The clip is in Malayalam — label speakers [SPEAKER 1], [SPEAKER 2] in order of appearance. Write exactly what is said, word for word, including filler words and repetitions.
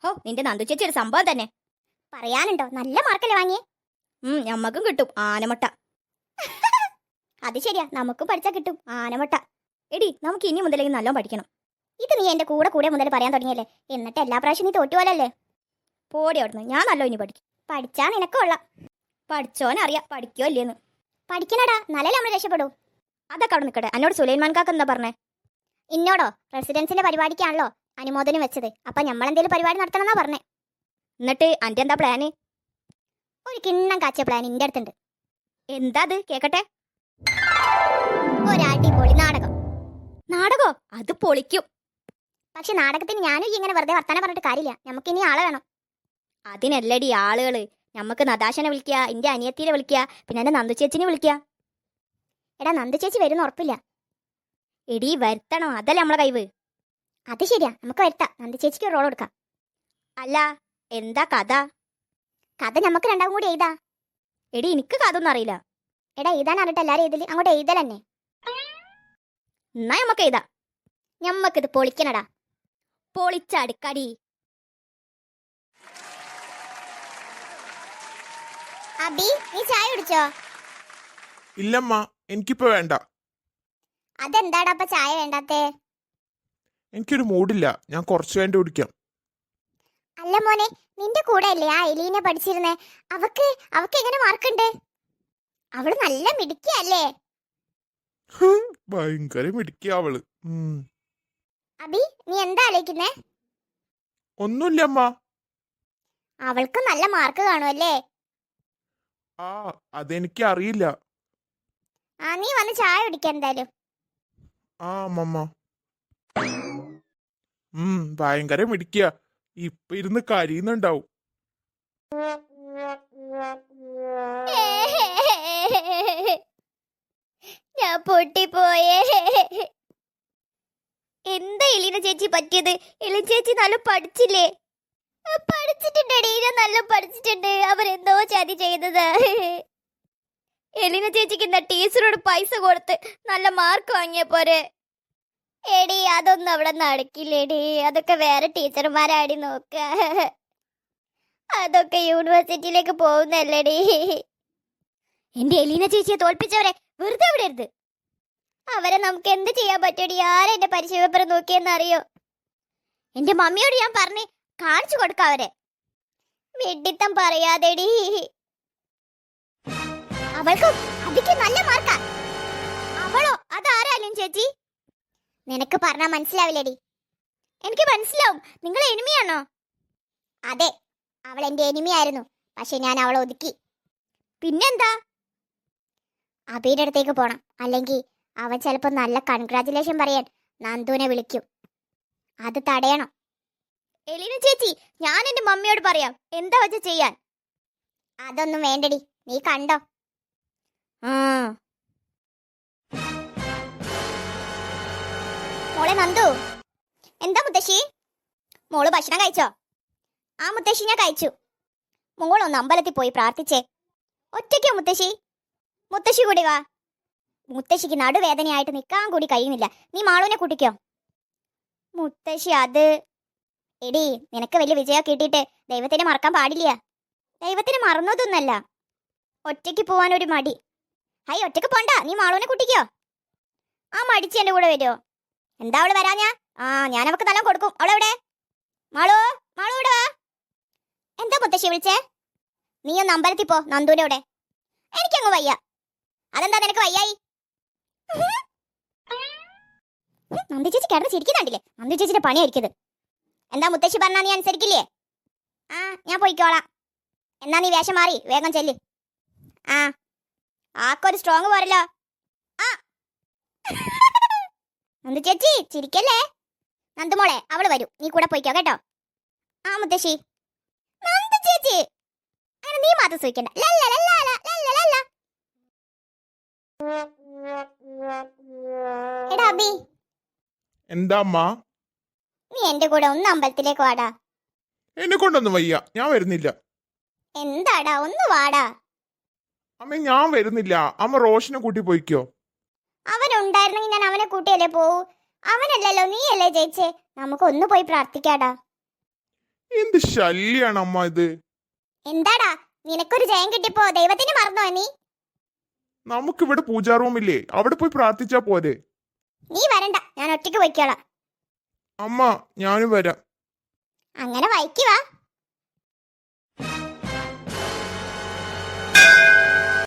[SPEAKER 1] ഹോ നിന്റെ നന്ദു ചേച്ചി ഒരു സംഭവം തന്നെ.
[SPEAKER 2] പറയാനുണ്ടോ? നല്ല മാർക്കല്ലേ വാങ്ങിയേ.
[SPEAKER 1] ഉം ഞമ്മക്കും കിട്ടും ആനമുട്ട.
[SPEAKER 2] അത് ശരിയാ, നമുക്കും പഠിച്ചാ കിട്ടും ആനമുട്ട.
[SPEAKER 1] എടി നമുക്ക് ഇനി മുതലേക്ക് നല്ലോണം പഠിക്കണം.
[SPEAKER 2] ഇത് നീ എന്റെ കൂടെ കൂടെ മുതൽ പറയാൻ തുടങ്ങിയല്ലേ, എന്നിട്ട് എല്ലാ പ്രാവശ്യം നീ തോറ്റുപോലല്ലേ.
[SPEAKER 1] പോടി അവിടുന്ന്, ഞാൻ നല്ലോ ഇനി പഠിക്കും.
[SPEAKER 2] പഠിച്ചാ നിനക്ക് കൊള്ളാം.
[SPEAKER 1] പഠിച്ചോനറിയാം പഠിക്കോ ഇല്ലേന്ന്.
[SPEAKER 2] പഠിക്കണടാ, നല്ല നമ്മൾ രക്ഷപ്പെടൂ.
[SPEAKER 1] അതൊക്കെ അവിടെ നിൽക്കട്ടെ. എന്നോട് സുലൈമാൻ കാക്ക എന്താ പറഞ്ഞേ?
[SPEAKER 2] ഇന്നോടോ? റെസിഡൻസിന്റെ പരിപാടിക്കാണല്ലോ അനുമോദനം വെച്ചത്, അപ്പൊ നമ്മളെന്തേലും പരിപാടി നടത്തണമെന്നാ പറഞ്ഞേ.
[SPEAKER 1] എന്നിട്ട് അന്റെ എന്താ പ്ലാന്?
[SPEAKER 2] ഒരു കിണ്ണം കാച്ചിയ പ്ലാൻ ഇന്റെ അടുത്തുണ്ട്.
[SPEAKER 1] എന്താ അത് കേക്കട്ടെ.
[SPEAKER 2] ഒരടിപൊളി നാടകം.
[SPEAKER 1] നാടകോ? അത് പൊളിക്കും.
[SPEAKER 2] പക്ഷെ നാടകത്തിന് ഞാനും ഇങ്ങനെ വെറുതെ വർത്താനം പറഞ്ഞിട്ട് കാര്യമില്ല, നമുക്ക് ഇനി ആളെ വേണം.
[SPEAKER 1] അതിനല്ലടി ആളുകള്. നമുക്ക് നദാശനെ വിളിക്കുക, എന്റെ അനിയത്തിനെ വിളിക്കുക, പിന്നെ എന്റെ നന്ദു ചേച്ചിനെ വിളിക്കുക.
[SPEAKER 2] എടാ നന്ദു ചേച്ചി വരുന്ന ഉറപ്പില്ല.
[SPEAKER 1] എടി വരുത്തണോ, അതല്ലേ നമ്മളെ കഴിവ്.
[SPEAKER 2] അത് ശരിയാ, നമുക്ക് വരുത്താം. നന്ദു ചേച്ചിക്ക് റോൾ കൊടുക്കാം.
[SPEAKER 1] അല്ല എന്താ കഥ?
[SPEAKER 2] കഥ നമുക്ക് രണ്ടാവും കൂടി എഴുതാ.
[SPEAKER 1] എടി എനിക്ക് കഥ ഒന്നും അറിയില്ല.
[SPEAKER 2] എടാ എഴുതാൻ അറിയിട്ട് എല്ലാരും എഴുതല്, അങ്ങോട്ട് എഴുതൽ തന്നെ.
[SPEAKER 1] എന്നാ നമുക്ക് എഴുതാ.
[SPEAKER 2] ഞമ്മക്കിത് പൊളിക്കണടാ.
[SPEAKER 1] പൊളിച്ചടുക്കടി.
[SPEAKER 2] അബി നീ ചായ കുടിച്ചോ?
[SPEAKER 3] ഇല്ലമ്മ, എനിക്കിപ്പോ വേണ്ട.
[SPEAKER 2] അതെന്താടാ അപ്പൊ ചായ വേണ്ടാത്തേ?
[SPEAKER 3] എനിക്കൊരു മൂഡില്ല, ഞാൻ കുറച്ചു വേണ്ടി കുടിക്കാം.
[SPEAKER 2] അല്ല മോനെ, നിന്റെ കൂടെ അല്ലേ ആ എലീനെ പഠിച്ചിരുന്നേ? അവക്ക് അവക്ക് എങ്ങനെ മാർക്കുണ്ട്? അവള് നല്ല മിടുക്കിയല്ലേ?
[SPEAKER 3] ഭയങ്കര മിടുക്കിയ അവള്.
[SPEAKER 2] അബി നീ എന്താ ആലോചിക്കുന്നേ?
[SPEAKER 3] ഒന്നുമില്ല അമ്മ.
[SPEAKER 2] അവൾക്ക് നല്ല മാർക്ക് കാണുമല്ലേ?
[SPEAKER 3] ആ അതെനിക്ക് അറിയില്ല.
[SPEAKER 2] ആ നീ വന്ന് ചായ കുടിക്കാൻ എന്തായാലും.
[SPEAKER 3] ആ അമ്മമ്മ. ഉം ഭയങ്കര മിടുക്കിയ. ഇപ്പൊ ഇരുന്ന് കരിയുന്നുണ്ടാവും.
[SPEAKER 2] ഞാൻ പൊട്ടിപ്പോയേ. എന്താ എലീന ചേച്ചി പറ്റിയത്? എലീന ചേച്ചി നല്ല പഠിച്ചില്ലേ? പഠിച്ചിട്ടുണ്ടടി, ഞാൻ നല്ല പഠിച്ചിട്ടുണ്ട്. അവരെന്തോ ചതി ചെയ്തത്.
[SPEAKER 1] എലീന ചേച്ചിക്ക് എന്താ ടീച്ചറോട് പൈസ കൊടുത്ത് നല്ല മാർക്ക് വാങ്ങിയ പോരെ?
[SPEAKER 2] എടി അതൊന്നും അവിടെ നടക്കില്ലേടി, അതൊക്കെ വേറെ ടീച്ചർമാരാടി നോക്ക. അതൊക്കെ യൂണിവേഴ്സിറ്റിയിലേക്ക് പോകുന്നല്ലേടി.
[SPEAKER 1] എന്റെ എലീന ചേച്ചിയെ തോൽപ്പിച്ചവരെ വെറുതെ വിടരുത്.
[SPEAKER 2] അവരെ നമുക്ക് എന്ത് ചെയ്യാൻ പറ്റടി? ആരെ എന്റെ പരീക്ഷ പേപ്പർ നോക്കിയെന്നറിയോ?
[SPEAKER 1] എന്റെ മമ്മിയോട് ഞാൻ പറഞ്ഞ് കാണിച്ചു കൊടുക്ക അവരെ.
[SPEAKER 2] വെഡിത്തം പറയാതെടി. അവൾക്ക് അതിക്ക് നല്ല മാർക്കാ.
[SPEAKER 1] അവളോ? അതാരാലും ചേച്ചി?
[SPEAKER 2] നിനക്ക് പറഞ്ഞാ മനസ്സിലാവില്ലേടി.
[SPEAKER 1] എനിക്ക് മനസ്സിലാവും. നിങ്ങൾ എനിമിയാണോ?
[SPEAKER 2] അതെ, അവൾ എന്റെ എനിമിയായിരുന്നു. പക്ഷെ ഞാൻ അവളെ ഒതുക്കി.
[SPEAKER 1] പിന്നെന്താ?
[SPEAKER 2] അബിയുടെ അടുത്തേക്ക് പോണം, അല്ലെങ്കിൽ അവൻ ചിലപ്പോ നല്ല കൺഗ്രാറ്റുലേഷൻ പറയാൻ നന്ദുവിനെ വിളിക്കും. അത് തടയണം.
[SPEAKER 1] എലീന ചേച്ചി, ഞാൻ എന്റെ മമ്മിയോട് പറയാം എന്താ വെച്ച ചെയ്യാൻ.
[SPEAKER 2] അതൊന്നും വേണ്ടടി, നീ കണ്ടോ.
[SPEAKER 1] ആ
[SPEAKER 2] മോളെ നന്ദു.
[SPEAKER 1] എന്താ മുത്തശ്ശി?
[SPEAKER 2] മോള് ഭക്ഷണം കഴിച്ചോ?
[SPEAKER 1] ആ മുത്തശ്ശി ഞാൻ കഴിച്ചു.
[SPEAKER 2] മോളൊന്ന് അമ്പലത്തിൽ പോയി പ്രാർത്ഥിച്ചേ.
[SPEAKER 1] ഒറ്റയ്ക്കോ മുത്തശ്ശി?
[SPEAKER 2] മുത്തശ്ശി കൂടി വാ. മുത്തശ്ശിക്ക് നടുവേദനയായിട്ട് നിൽക്കാൻ കൂടി കഴിയുന്നില്ല. നീ മാളുവിനെ കൂട്ടിക്കോ.
[SPEAKER 1] മുത്തശ്ശി അത്
[SPEAKER 2] എടി, നിനക്ക് വലിയ വിജയം കിട്ടിയിട്ട് ദൈവത്തിനെ മറക്കാൻ പാടില്ല.
[SPEAKER 1] ദൈവത്തിന് മറന്നതൊന്നല്ല, ഒറ്റയ്ക്ക് പോവാൻ ഒരു മടി.
[SPEAKER 2] ഹൈ, ഒറ്റയ്ക്ക് പോണ്ട, നീ മാളുവിനെ കൂട്ടിക്കോ.
[SPEAKER 1] ആ മടിച്ച് എന്റെ കൂടെ വരുമോ?
[SPEAKER 2] എന്താ അവള് വരാഞ്ഞാ? ആ ഞാൻ അവക്ക് നല്ല കൊടുക്കും. അവളെവിടെ? മാളു, മാളു ഇവിടെ വാ. എന്താ മുത്തശ്ശി വിളിച്ചേ? നീ ഒന്ന് അമ്പലത്തിൽ പോ, നന്ദുവിന്റെ കൂടെ. എനിക്കങ്ങ് വയ്യ. അതെന്താ നിനക്ക് വയ്യായി? നന്ദു ചേച്ചി കിടന്ന് ചിരിക്കുന്നുണ്ടില്ലേ? നന്ദു ചേച്ചിന്റെ പണിയായിരിക്കത്. എന്താ മുത്തശ്ശി പറഞ്ഞാ നീ അനുസരിക്കില്ലേ? ആ ഞാൻ പോയിക്കോളാം. എന്നാ നീ വേഷം മാറി വേഗം ചെല്ല്. ആ ആക്കൊരു സ്ട്രോങ് പോരല്ലോ. ആ നന്ദു ചേച്ചി ചിരിക്കല്ലേ. നന്ദുമോളെ അവള് വരും, നീ കൂടെ പോയിക്കോ കേട്ടോ. ആ മുത്തശ്ശി. നന്ദു ചേച്ചി അങ്ങനെ നീ മാത്രം സൂയിക്കണ്ട. എടാ അബി,
[SPEAKER 3] എന്താ അമ്മ?
[SPEAKER 2] നീ എന്റെ കൂടെ ഒന്ന് അമ്പലത്തിലേക്ക് വാടാ.
[SPEAKER 3] എന്നെ കൊണ്ടൊന്നും വയ്യ, ഞാൻ വരുന്നില്ല.
[SPEAKER 2] എന്താടാ, ഒന്ന് വാടാ.
[SPEAKER 3] അമ്മ ഞാൻ വരുന്നില്ല. അമ്മ റോഷനെ കൂട്ടി പോയിക്കോ.
[SPEAKER 2] അവനുണ്ടായിരുന്നെങ്കിൽ ഞാൻ അവനെ കൂട്ടിയല്ലേ പോവൂ. അവനല്ലല്ലോ, നീയല്ലേ ജയിച്ചേ. നമുക്ക് ഒന്ന് പോയി പ്രാർത്ഥിക്കാടാ.
[SPEAKER 3] എന്ത് ശല്യാണ് അമ്മ ഇത്.
[SPEAKER 2] എന്താടാ നിനക്കൊരു ജയം കിട്ടിയപ്പോ ദൈവത്തിന് മറന്നോ നീ?
[SPEAKER 3] നമുക്കിവിടെ പൂജാ റൂമില്ലേ, അവിടെ പോയി പ്രാർത്ഥിച്ചാ പോരെ.
[SPEAKER 2] നീ വരണ്ട, ഞാൻ ഒറ്റയ്ക്ക് പോയിക്കോളാം.
[SPEAKER 3] അമ്മ ഞാനും വരാം.
[SPEAKER 2] അങ്ങനെ വൈക്കി വാ.